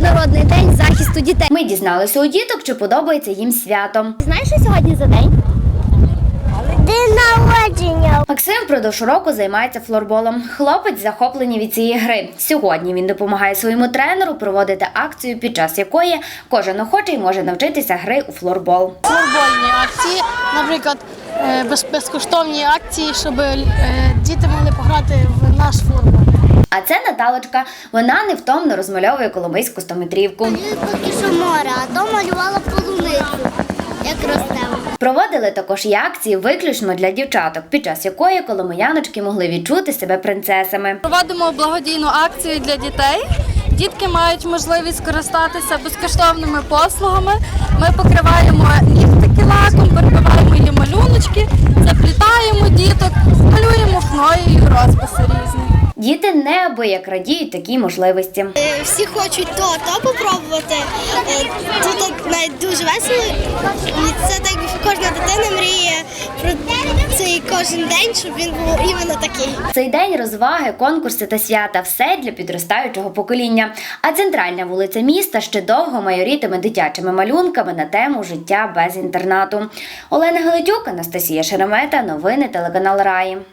Міжнародний день захисту дітей. Ми дізналися у діток, чи подобається їм свято. Знаєш, що сьогодні за день? День народження. Максим впродовж року займається флорболом. Хлопець захоплений від цієї гри. Сьогодні він допомагає своєму тренеру проводити акцію, під час якої кожен охочий може навчитися гри у флорбол. Флорбольні акції, наприклад, безкоштовні акції, щоб діти могли пограти в наш флорбол. А це Наталочка. Вона невтомно розмальовує коломийську 100-метрівку. Поки що море, а то малювала полуницю, як росте. Проводили також і акції виключно для дівчаток, під час якої коломияночки могли відчути себе принцесами. Проводимо благодійну акцію для дітей. Дітки мають можливість скористатися безкоштовними послугами. Ми покриваємо нігтики лаком, перебиваємо її малюночки, заплітаємо діток, малюємо хною і розписи різні. Діти неабияк радіють такій можливості. Всі хочуть то попробувати. Тут навіть дуже весело. І це так, кожна дитина мріє про цей кожен день, щоб він був іменно такий. Цей день розваги, конкурси та свята – все для підростаючого покоління. А центральна вулиця міста ще довго майорітиме дитячими малюнками на тему «Життя без інтернату». Олена Галитюк, Анастасія Шеремета. Новини телеканал Раї.